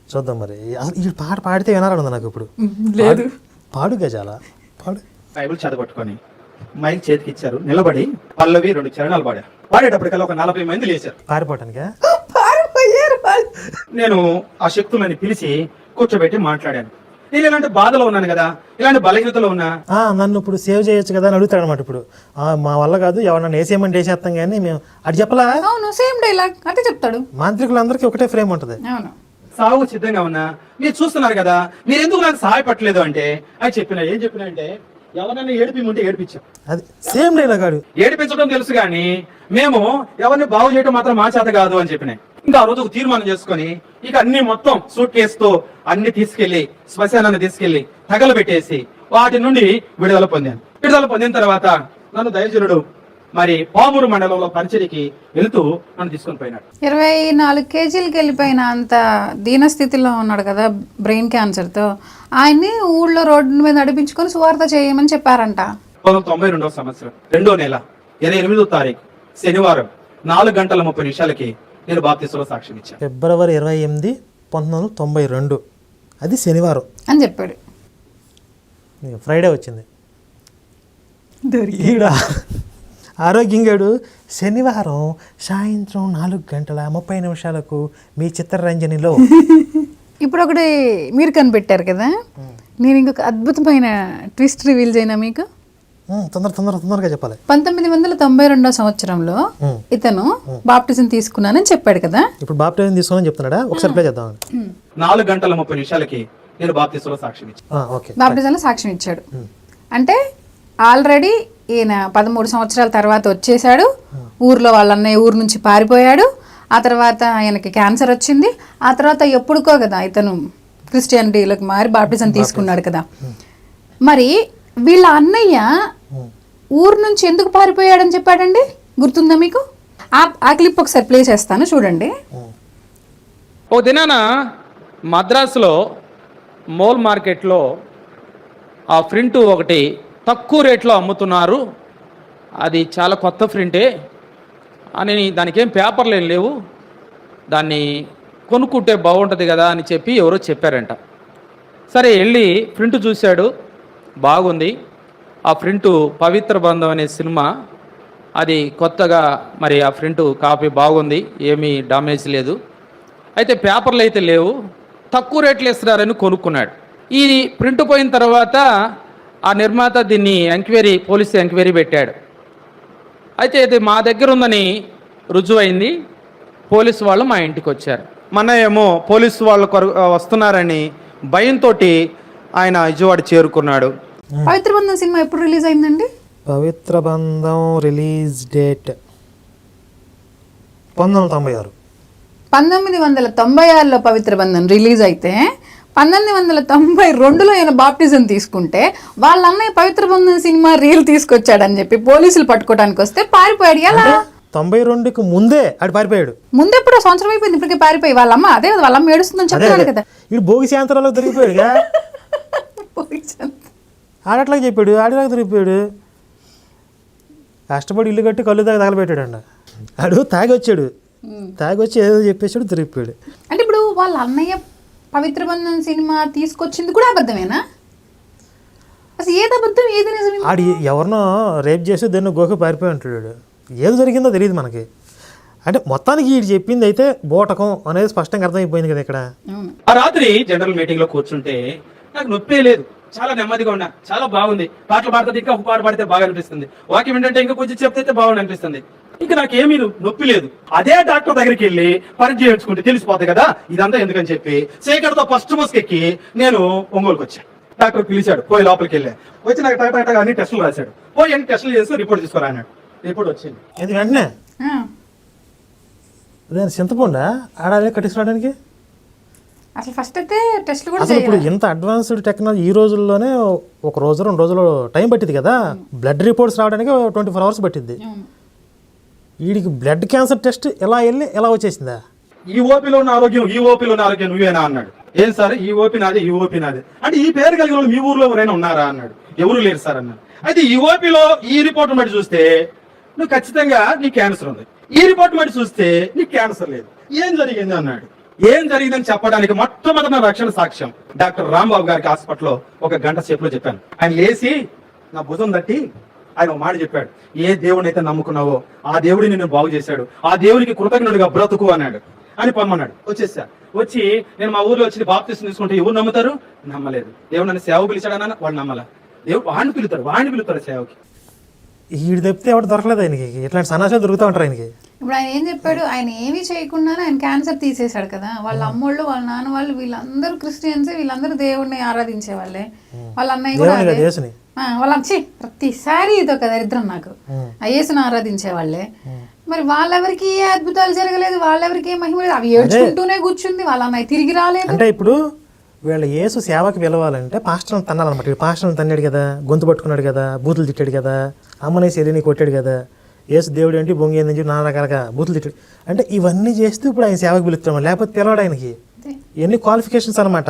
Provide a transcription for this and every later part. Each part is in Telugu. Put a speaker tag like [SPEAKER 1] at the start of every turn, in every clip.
[SPEAKER 1] చూద్దాం మరి. అసలు ఈ పాట పాడితే వినాలని నాకు ఇప్పుడు.
[SPEAKER 2] లేదు
[SPEAKER 1] పాడు గజాల పాడు.
[SPEAKER 3] బైబిల్ చదవట్టుకొని మైక్ చేతికి ఇచ్చారు, నిలబడి పల్లవి 2 చరణాలు పాడారు. పాడేటప్పటికల్లా ఒక 40 మంది లేచారు
[SPEAKER 1] పారిపోవటానికా?
[SPEAKER 3] నేను ఆ శక్తులని పిలిచి కూర్చోబెట్టి మాట్లాడాను. నేను ఇలాంటి బాధలో ఉన్నాను కదా, ఇలాంటి బలహీనతలో ఉన్నా.
[SPEAKER 1] నన్ను ఇప్పుడు సేవ్ చేయొచ్చు కదా అని అడుగుతాడు అనమాట. ఇప్పుడు మా వల్ల కాదు, ఎవరన్నా వేసేయమని వేసేస్తాం కానీ మేము అది చెప్పలా.
[SPEAKER 2] అవును, సేమ్ డైలాగ్ అంటే చెప్తాడు.
[SPEAKER 1] మాంత్రికులందరికీ ఒకటే ఫ్రేమ్ ఉంటుంది.
[SPEAKER 2] అవును,
[SPEAKER 3] సాగు సిద్ధంగా ఉన్నా, మీరు చూస్తున్నారు కదా, మీరు ఎందుకు నాకు సహాయపడలేదు అంటే అది చెప్పిన. ఏం చెప్పినా అంటే ఎవరైనా ఏడిపిమంటే ఏడిపించాం.
[SPEAKER 1] అది సేమ్ డైలాగ్. ఆడు
[SPEAKER 3] ఏడిపించడం తెలుసు కానీ మేము ఎవరిని బాగు చేయడం మాత్రం మా చేత కాదు అని చెప్పినాయి. ఇంకా ఆ రోజు ఒక తీర్మానం చేసుకుని ఇక అన్ని మొత్తం సూట్ కేసుతో అన్ని తీసుకెళ్లి శ్మశానాన్ని తీసుకెళ్లి తగలబెట్టేసి వాటి నుండి విడుదల పొందాను. విడుదల పొందిన తర్వాత నన్ను దైవజనుడు మరి పామూరు మండలంలో పరిచయకి వెళుతూ నన్ను తీసుకొని పోయినాడు.
[SPEAKER 2] 24 కేజీలకి వెళ్ళిపోయిన అంత దీనస్థితిలో ఉన్నాడు కదా బ్రెయిన్ క్యాన్సర్తో. ఆయన్ని ఊళ్ళో రోడ్డు మీద నడిపించుకొని సువార్త చేయమని చెప్పారంట.
[SPEAKER 3] 1992వ సంవత్సరం 2వ నెల 28వ తారీఖు శనివారం 4:30 నేను బాప్తిస్మలో సాక్ష్యం ఇచ్చాను.
[SPEAKER 1] ఫిబ్రవరి 28, 1992 అది శనివారం
[SPEAKER 2] అని చెప్పాడు.
[SPEAKER 1] ఫ్రైడే వచ్చింది. ఈడ ఆరోగ్యంగాడు శనివారం సాయంత్రం 4:30 మీ చిత్రరంజనిలో.
[SPEAKER 2] ఇప్పుడు ఒకటి మీరు కనిపెట్టారు కదా, నేను ఇంకొక అద్భుతమైన ట్విస్ట్ రివీల్ చేయనా మీకు?
[SPEAKER 1] తొందరగా చెప్పాలి.
[SPEAKER 2] 1992వ సంవత్సరంలో ఇతను బాప్టిజం తీసుకున్నానని చెప్పాడు కదా.
[SPEAKER 1] ఇప్పుడు బాప్టిజం తీసుకున్నానని చెప్తున్నాడా? ఒకసారి ప్లే చేద్దాం.
[SPEAKER 3] 4:30 నేను బాప్తిస్మలో సాక్ష్యం ఇచ్చాను.
[SPEAKER 2] బాప్టిజంలో సాక్ష్యం ఇచ్చాడు అంటే ఆల్రెడీ ఈయన 13 సంవత్సరాల తర్వాత వచ్చేసాడు. ఊర్లో వాళ్ళ అన్నయ్య ఊరు నుంచి పారిపోయాడు. ఆ తర్వాత ఆయనకి క్యాన్సర్ వచ్చింది. ఆ తర్వాత ఎప్పుడుకో కదా ఇతను క్రిస్టియానిటీలోకి మారి బాప్టిజం తీసుకున్నాడు కదా. మరి వీళ్ళ అన్నయ్య ఊరు నుంచి ఎందుకు పారిపోయాడని చెప్పాడండి, గుర్తుందా మీకు? ఆ క్లిప్ ఒకసారి ప్లే చేస్తాను, చూడండి.
[SPEAKER 3] ఓ దినాన మద్రాసులో మోల్ మార్కెట్లో ఆ ప్రింట్ ఒకటి తక్కువ రేట్లో అమ్ముతున్నారు, అది చాలా కొత్త ప్రింటే అని, దానికి ఏం పేపర్లు ఏం లేవు, దాన్ని కొనుక్కుంటే బాగుంటుంది కదా అని చెప్పి ఎవరో చెప్పారంట. సరే వెళ్ళి ప్రింట్ చూశాడు, బాగుంది. ఆ ప్రింటు పవిత్ర బంధం అనే సినిమా, అది కొత్తగా మరి ఆ ప్రింటు కాపీ బాగుంది, ఏమీ డామేజ్ లేదు. అయితే పేపర్లు అయితే లేవు, తక్కువ రేట్లు ఇస్తున్నారని కొనుక్కున్నాడు. ఈ ప్రింట్ పోయిన తర్వాత ఆ నిర్మాత దీన్ని పోలీసు ఎంక్వైరీ పెట్టాడు. అయితే ఇది మా దగ్గర ఉందని రుజువైంది. పోలీసు వాళ్ళు మా ఇంటికి వచ్చారు. మన ఏమో పోలీసు వాళ్ళు వస్తున్నారని భయంతో ఆయన విజయవాడ చేరుకున్నాడు.
[SPEAKER 2] పవిత్ర బంధం సినిమా ఎప్పుడు రిలీజ్ అయిందండి?
[SPEAKER 1] పవిత్ర బంధం రిలీజ్ డేట్ 1996.
[SPEAKER 2] 1996లో పవిత్ర బంధం రిలీజ్ అయితే 1992లో ఆయన బాప్టిజం తీసుకుంటే వాళ్ళ అన్నయ్య పవిత్ర బంధం సినిమా రీల్ తీసుకొచ్చాడని చెప్పి పోలీసులు పట్టుకోవడానికి వస్తే పారిపోయాడు. ఎలా?
[SPEAKER 1] 92కి ముందే ఆడు పారిపోయాడు.
[SPEAKER 2] ముందెప్పుడు సంవత్సరం అయిపోయింది, ఇప్పటికే పారిపోయి వాళ్ళమ్మ అదే కదా వాళ్ళమ్మ ఏడుస్తుందని చెప్పాడు కదా.
[SPEAKER 1] ఇడు భోగి శాంతరాలో దొరికిపోయాడు. ఆడట్లాగా చెప్పాడు, ఆడిలాగా దొరికిపోయాడు. కష్టపడి ఇల్లు కట్టి కళ్ళు దాకా తగలబెట్టాడు అండి. ఆడు తాగి వచ్చి ఏదో చెప్పేసాడు, దొరికిపోయాడు.
[SPEAKER 2] అంటే ఇప్పుడు వాళ్ళ అన్నయ్య పవిత్ర బంధం సినిమా తీసుకొచ్చింది కూడా అబద్ధమేనా? అసలు ఏది అబద్ధం ఏది నిజం?
[SPEAKER 1] ఆడు ఎవరినో రేప్ చేసి దాన్ని గోకి పారిపోయి ఉంటాడు. ఏది జరిగిందో తెలియదు మనకి. అంటే మొత్తానికి వీడు చెప్పింది అయితే బోటకం అనేది స్పష్టంగా అర్థమైపోయింది కదా ఇక్కడ.
[SPEAKER 3] ఆ రాత్రి జనరల్ మీటింగ్ లో కూర్చుంటే నాకు నొప్పే లేదు, చాలా నెమ్మదిగా ఉన్నా, చాలా బాగుంది. పాటలు పాడితే ఇంకా ఒక పాట పాడితే బాగా అనిపిస్తుంది, వాక్యం ఏంటంటే ఇంకా కొంచెం చెప్తే బాగుంది అనిపిస్తుంది. ఇంకా నాకేమీ నొప్పి లేదు. అదే డాక్టర్ దగ్గరికి వెళ్ళి పరీక్ష చేయించుకుంటే తెలిసిపోతాయి కదా ఇదంతా ఎందుకని చెప్పి సేకర్తో ఫస్ట్ బస్కి ఎక్కి నేను ఒంగోలుకి వచ్చాను. డాక్టర్ పిలిచాడు, పోయి లోపలికి వెళ్ళా. వచ్చి నాకు టాటా అన్ని టెస్టులు రాశాడు. పోయి అన్ని టెస్టులు చేసి రిపోర్ట్ తీసుకురా అన్నాడు. రిపోర్ట్ వచ్చింది.
[SPEAKER 1] ఇది వెంటనే చింతపండా ఆడాలి కట్టించుకోవడానికి.
[SPEAKER 2] అసలు ఫస్ట్ అయితే టెస్ట్ కూడా
[SPEAKER 1] అసలు ఇప్పుడు ఇంత అడ్వాన్స్డ్ టెక్నాలజీ ఈ రోజుల్లోనే ఒక రోజు 2 రోజులు టైం పట్టింది కదా. బ్లడ్ రిపోర్ట్స్ రావడానికి 24 hours పట్టింది. వీడికి బ్లడ్ క్యాన్సర్ టెస్ట్ ఎలా వెళ్ళి ఎలా వచ్చేసిందా?
[SPEAKER 3] ఈ ఓపీలో ఉన్న ఆరోగ్యం నువ్వేనా అన్నాడు. ఏం సార్ ఈ ఓపీ నాది అంటే ఈ పేరు కలిగిన వాళ్ళు మీ ఊర్లో ఎవరైనా ఉన్నారా అన్నాడు. ఎవరు లేరు సార్ అన్నాడు. అయితే ఈ ఓపీలో ఈ రిపోర్ట్ బట్టి చూస్తే నువ్వు ఖచ్చితంగా నీ క్యాన్సర్ ఉంది, ఈ రిపోర్ట్ బట్టి చూస్తే నీకు క్యాన్సర్ లేదు, ఏం జరిగింది అన్నాడు.
[SPEAKER 4] ఏం జరిగిందని చెప్పడానికి మొట్టమొదటి నా రక్షణ సాక్ష్యం డాక్టర్ రాంబాబు గారికి హాస్పిటల్లో 1 గంట సేపులో చెప్పాను. ఆయన లేచి నా భుజం తట్టి ఆయన ఒక మాట చెప్పాడు, ఏ దేవుడిని అయితే నమ్ముకున్నావో ఆ దేవుడిని నిన్ను బాగు చేశాడు, ఆ దేవునికి కృతజ్ఞుడిగా బ్రతుకు అన్నాడు అని పొమ్మన్నాడు. వచ్చేసా. వచ్చి నేను మా ఊర్లో వచ్చి బాప్తిస్మం తీసుకుంటే ఎవరు నమ్ముతారు? నమ్మలేదు. దేవుడు నన్ను సేవ పిలిచాడన్నా వాళ్ళు నమ్మలా. దేవుడు వాడిని పిలుతారు సేవకి.
[SPEAKER 1] ఈడు తప్పితే ఎవరు దొరకలేదు ఆయనకి. ఇట్లాంటి సన్నాసాలు దొరుకుతూ ఉంటారు ఆయనకి.
[SPEAKER 2] ఇప్పుడు ఆయన ఏం చెప్పాడు, ఆయన ఏమీ చేయకుండానే ఆయన క్యాన్సర్ తీసేశాడు కదా. వాళ్ళ అమ్మోళ్ళు వాళ్ళ నాన్న వాళ్ళు వీళ్ళందరూ క్రిస్టియన్స్, వీళ్ళందరూ దేవుడిని ఆరాధించే వాళ్ళే. వాళ్ళ అన్నయ్య కూడా
[SPEAKER 1] దేవుని
[SPEAKER 2] అదే.
[SPEAKER 1] కదా యేసుని.
[SPEAKER 2] వాళ్ళ ప్రతిసారి ఇదొక దరిద్రం నాకు. ఆ యేసుని ఆరాధించే వాళ్ళే. మరి వాళ్ళెవరికి ఏ అద్భుతాలు జరగలేదు, వాళ్ళెవరికి ఏ మహిమ లేదు. అవి ఏడ్చుకుంటూనే కూర్చుంది. వాళ్ళ అన్నయ్య తిరిగి రాలేదు.
[SPEAKER 1] అంటే ఇప్పుడు వీళ్ళ యేసు సేవకి పిలవాలంటే పాస్టర్ని తన్నాలన్నమాట. వీడు పాస్టర్ని తన్నాడు కదా, గొంతు పట్టుకున్నాడు కదా, బూతులు తిట్టాడు కదా, అమ్మనేసి ఎలిని కొట్టాడు కదా, యేసు దేవుడు ఏంటి బొంగి ఏందని చెప్పి నానా రకాలుగా బూతులు తిట్టాడు. అంటే ఇవన్నీ చేస్తూ ఇప్పుడు ఆయన సేవకి పిలుస్తున్నాడు, లేకపోతే పిలవాడు ఆయనకి. ఎన్ని క్వాలిఫికేషన్స్ అనమాట.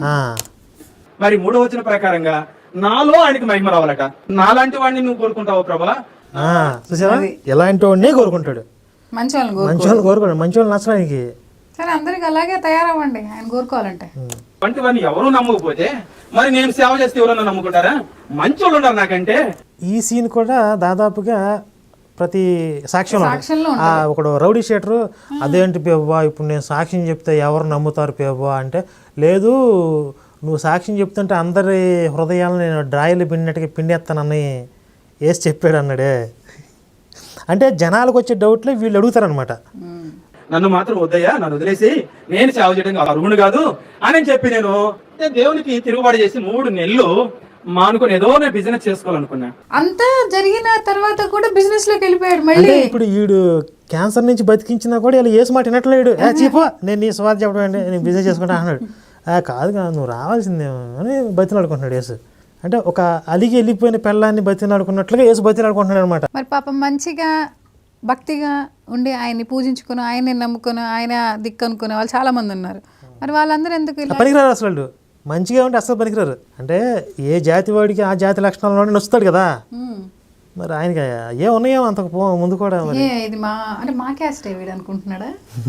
[SPEAKER 4] మరి 3వ వచనం ప్రకారంగా నాలో ఆయనకి మహిమ రావాలట. నాలాంటి వాడిని నువ్వు కోరుకుంటావు ప్రభా?
[SPEAKER 1] చూసావా, ఎలాంటి వాడినే కోరుకుంటాడు.
[SPEAKER 2] మంచి వాళ్ళని
[SPEAKER 1] మంచి వాళ్ళు కోరుకోడు, మంచి వాళ్ళు నచ్చడం ఆయనకి.
[SPEAKER 2] సరే అందరికి అలాగే తయారవ్వండి ఆయన కోరుకోవాలంటే.
[SPEAKER 4] వంటి వాడిని ఎవరు నమ్మకపోతే మరి నేను సేవ చేస్తే ఎవరన్నా నమ్ముకుంటారా? మంచి వాళ్ళు ఉన్నారు నాకంటే.
[SPEAKER 1] ఈ సీన్ కూడా దాదాపుగా ప్రతి సాక్ష్యంలో ఒకడు రౌడీ షీటరు, అదేంటి పేవ్వా ఇప్పుడు నేను సాక్ష్యం చెప్తే ఎవరు నమ్ముతారు పేవ్వా అంటే, లేదు నువ్వు సాక్ష్యం చెప్తుంటే అందరి హృదయాలను నేను డ్రాయిలు పిండినట్టుగా పిండేస్తానని వేసి చెప్పాడు అన్నాడే. అంటే జనాలకు వచ్చే డౌట్లే వీళ్ళు అడుగుతారనమాట.
[SPEAKER 4] నన్ను మాత్రం వద్దయ్యా, నన్ను వదిలేసి నేను సేవ చేయడం అర్హుడు కాదు అని చెప్పి నేను దేవునికి తిరుగుబాటు చేసి 3 నెలలు మానుకొని ఏదో నేను బిజినెస్ చేసుకోవాలనుకున్నా.
[SPEAKER 2] అంతా జరిగిన తర్వాత కూడా బిజినెస్ లోకి వెళ్ళిపోయాడు మళ్ళీ.
[SPEAKER 1] అంటే ఇప్పుడు వీడు క్యాన్సర్ నుంచి బతికించినా కూడా ఇలా ఏసు మాట వినట్లేడు. చీపో నేను నీ స్వార్థ చెప్పడం అండి, నేను బిజినెస్ చేసుకుంటా అన్నాడు. కాదు నువ్వు రావాల్సిందేమో అని బతిలాడుకుంటున్నాడు యేసు. అంటే ఒక అలిగి వెళ్ళిపోయిన పెళ్ళాన్ని బతిలాడుకున్నట్లుగా యేసు బతిలాడుకుంటున్నాడు అనమాట.
[SPEAKER 2] మరి పాపం మంచిగా భక్తిగా ఉండి ఆయన్ని పూజించుకుని ఆయన్ని నమ్ముకుని ఆయన దిక్కు అనుకునే వాళ్ళు చాలా మంది ఉన్నారు. మరి వాళ్ళందరూ ఎందుకు ఇలా?
[SPEAKER 1] పనికిరారు అసలు, మంచిగా ఉంటే అసలు పనికిరారు. అంటే ఏ జాతి వాడికి ఆ జాతి లక్షణాలను నచ్చుతాడు కదా. మరి ఆయనకి ఏ ఉన్నాయో అంతకు ముందు కూడా.
[SPEAKER 2] ఇది మా క్యాస్ట్ వీడు అనుకుంటున్నాడా?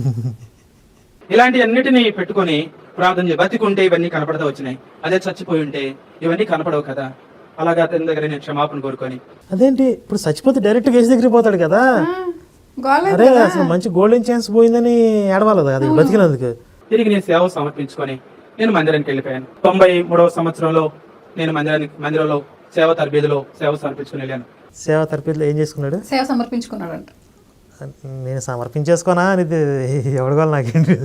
[SPEAKER 4] ఇలాంటి అన్నిటినీ పెట్టుకొని ప్రార్థన చేసి బతికుంటే ఇవన్నీ కనపడతా వచ్చినాయి, అదే చచ్చిపోయి ఉంటే ఇవన్నీ కనపడవు కదా. అలాగా అతని దగ్గర నేను క్షమాపణ కోరుకొని.
[SPEAKER 1] అదేంటి ఇప్పుడు చచ్చిపోతే డైరెక్ట్ కేసు దగ్గరికి పోతాడు కదా. అరే అసలు మంచి గోల్డెన్ ఛాన్స్ పోయిందని ఏడవాలి కదా బతికినందుకు.
[SPEAKER 4] తిరిగి నేను సేవ సమర్పించుకొని నేను మందిరానికి వెళ్ళిపోయాను. 93వ సంవత్సరంలో నేను మందిరంలో సేవ తరబేదిలో సేవ సమర్పించుకుని వెళ్ళాను.
[SPEAKER 1] సేవ తరబేదిలో ఏం చేసుకున్నాడు?
[SPEAKER 2] సేవ సమర్పించుకున్నాడు అంట.
[SPEAKER 1] నేను సమర్పించేసుకోనా అనేది ఎవడగోలు నాకేంటి.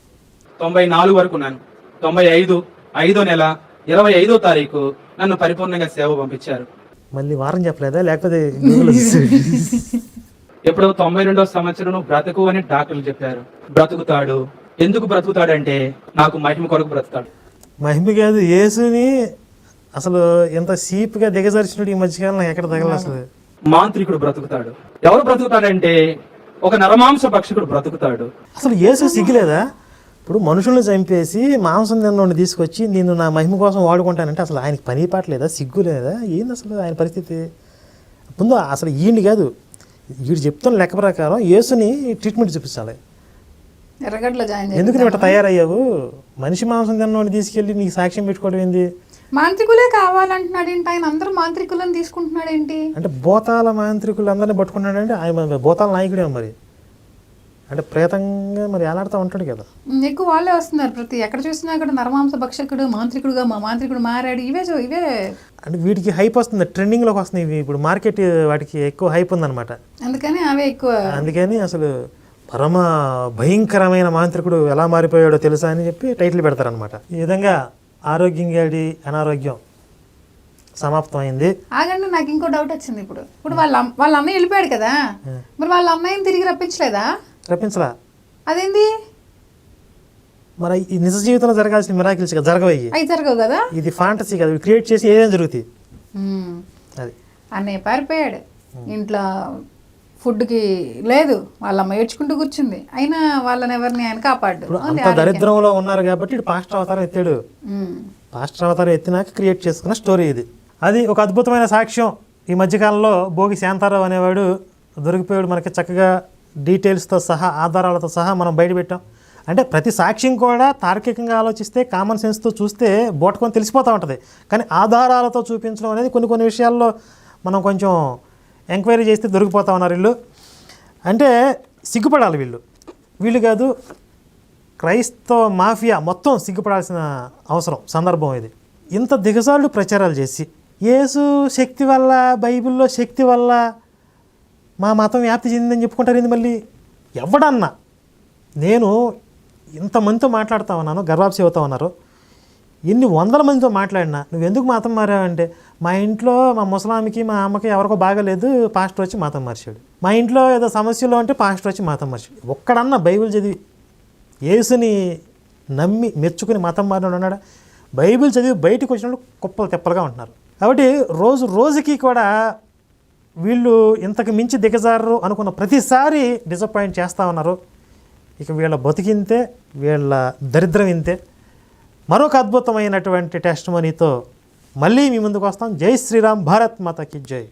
[SPEAKER 4] 94 వరకు ఉన్నాను. 95 5వ నెల 25వ తారీఖు నన్ను పరిపూర్ణంగా సేవ పంపించారు.
[SPEAKER 1] మళ్ళీ వారం చెప్పలేదా లేకపోతే?
[SPEAKER 4] ఎప్పుడో 92వ సంవత్సరం బ్రతుకు అని డాక్టర్లు చెప్పారు. బ్రతుకుతాడు. ఎందుకు బ్రతుకుతాడు అంటే నాకు మహిమ కొరకు బ్రతుకుతాడు.
[SPEAKER 1] మహిమ కాదు, యేసుని అసలు ఎంత సీప్గా దిగజార్చినట్టు ఈ మధ్యకాలం నాకు ఎక్కడ తగల. అసలు
[SPEAKER 4] మాంత్రికుడు బ్రతుకుతాడు. ఎవరు బ్రతుకుతాడంటే ఒక నరమాంస భక్షకుడు బ్రతుకుతాడు.
[SPEAKER 1] అసలు యేసు సిగ్గులేదా? ఇప్పుడు మనుషుల్ని చంపేసి మాంసం తిన్నోడిని తీసుకొచ్చి నేను నా మహిమ కోసం వాడుకుంటానంటే అసలు ఆయనకి పని పాటలేదా, సిగ్గు లేదా? ఏంది అసలు ఆయన పరిస్థితి? ముందు అసలు ఈయన్ని కాదు, వీడు చెప్తున్న లెక్క ప్రకారం యేసుని ట్రీట్మెంట్ చూపించాలి.
[SPEAKER 2] ఎర్రగడ్డలో జాయిన్
[SPEAKER 1] ఎందుకు నువ్వు ఇట్లా తయారయ్యావు? మనిషి మాంసం తిన్నోడిని తీసుకెళ్ళి నీకు సాక్ష్యం పెట్టుకోవడం ఏంది?
[SPEAKER 2] మాంత్రికులే కావాలంటున్నాడు ఏంటి ఆయన? అందరూ మాంత్రికులను తీసుకుంటున్నాడు ఏంటి?
[SPEAKER 1] అంటే భూతాల మాంత్రికులు అందరినీ పట్టుకున్నాడంటే ఆయన భూతాల నాయకుడే మరి. అంటే ప్రేతంగా మరి ఎలాడుతూ ఉంటాడు కదా.
[SPEAKER 2] ఎక్కువ వాళ్ళే వస్తున్నారు. ప్రతి ఎక్కడ చూసినా కూడా నరమాంస భక్షకుడు మాంత్రికుడుగా మా మాంత్రికుడు మారాడు. ఇవే
[SPEAKER 1] అంటే వీటికి హైప్ వస్తుంది, ట్రెండింగ్లోకి వస్తున్నాయి ఇవి. ఇప్పుడు మార్కెట్ వాటికి ఎక్కువ హైప్ ఉందన్నమాట.
[SPEAKER 2] అందుకని అవే ఎక్కువ.
[SPEAKER 1] అందుకని అసలు పరమ భయంకరమైన మాంత్రికుడు ఎలా మారిపోయాడో తెలుసా అని చెప్పి టైటిల్ పెడతారనమాట. ఈ విధంగా ఆరోగ్యం గాడి అనారోగ్యం సమాప్తం అయింది.
[SPEAKER 2] ఆగండి, నాకు ఇంకో డౌట్ వచ్చింది. ఇప్పుడు వాళ్ళ అన్నయ్య వెళ్ళిపోయాడు కదా, మరి వాళ్ళ అన్నయ్యని తిరిగి రప్పించలేదా?
[SPEAKER 1] రప్పించలా.
[SPEAKER 2] అదేంది?
[SPEAKER 1] మరి ఈ నిజ జీవితంలో జరగాల్సిన మిరాకిల్స్ కదా, జరగవయ్యి.
[SPEAKER 2] అవి జరగవు కదా.
[SPEAKER 1] ఇది ఫాంటసీ కదా, క్రియేట్ చేసి ఏదైనా జరుగుతాయి. అది
[SPEAKER 2] అన్నయ్య పారిపోయాడు, ఇంట్లో ఫుడ్కి లేదు, వాళ్ళమ్మ ఏడ్చుకుంటూ కూర్చుంది, అయినా వాళ్ళని ఎవరిని ఆయన కాపాడు.
[SPEAKER 1] అంత దరిద్రంలో ఉన్నారు కాబట్టి ఇటు పాస్టర్ అవతారం ఎత్తాడు. పాస్టర్ అవతారం ఎత్తినాక క్రియేట్ చేసుకున్న స్టోరీ ఇది. అది ఒక అద్భుతమైన సాక్ష్యం. ఈ మధ్యకాలంలో భోగి శాంతారావు అనేవాడు దొరికిపోయాడు. మనకి చక్కగా డీటెయిల్స్తో సహా ఆధారాలతో సహా మనం బయటపెట్టాం. అంటే ప్రతి సాక్ష్యం కూడా తార్కికంగా ఆలోచిస్తే కామన్ సెన్స్తో చూస్తే బోటకొని తెలిసిపోతూ ఉంటుంది. కానీ ఆధారాలతో చూపించడం అనేది కొన్ని విషయాల్లో మనం కొంచెం ఎంక్వైరీ చేస్తే దొరికిపోతా ఉన్నారు వీళ్ళు. అంటే సిగ్గుపడాలి వీళ్ళు కాదు, క్రైస్తవ మాఫియా మొత్తం సిగ్గుపడాల్సిన అవసరం సందర్భం ఇది. ఇంత దిగజాళ్ళు ప్రచారాలు చేసి యేసు శక్తి వల్ల, బైబిల్లో శక్తి వల్ల మా మతం వ్యాప్తి చెందిందని చెప్పుకుంటారు. ఏంది మళ్ళీ ఎవడన్నా? నేను ఇంతమందితో మాట్లాడుతూ ఉన్నాను, గర్వాప్సి అవుతా ఉన్నారు, ఎన్ని వందల మందితో మాట్లాడినా నువ్వు ఎందుకు మతం మారావంటే, మా ఇంట్లో మా ముసలామికి మా అమ్మకి ఎవరికో బాగాలేదు, పాస్టర్ వచ్చి మతం మార్చాడు. మా ఇంట్లో ఏదో సమస్యలు అంటే పాస్టర్ వచ్చి మతం మార్చాడు. ఒక్కడన్నా బైబిల్ చదివి యేసుని నమ్మి మెచ్చుకుని మతం మారినాడు ఉన్నాడా? బైబిల్ చదివి బయటకు వచ్చినప్పుడు కుప్పలు తెప్పలుగా ఉంటున్నారు. కాబట్టి రోజుకి కూడా వీళ్ళు ఇంతకు మించి దిగజారు అనుకున్న ప్రతిసారి డిసప్పాయింట్ చేస్తూ ఉన్నారు. ఇక వీళ్ళ బతికింతే, వీళ్ళ దరిద్రం ఇంతే. మరొక అద్భుతమైనటువంటి టెస్ట్ మనీతో మళ్ళీ మీ ముందుకు వస్తాం. జై శ్రీరామ్, భారత్ మాతాకి జై.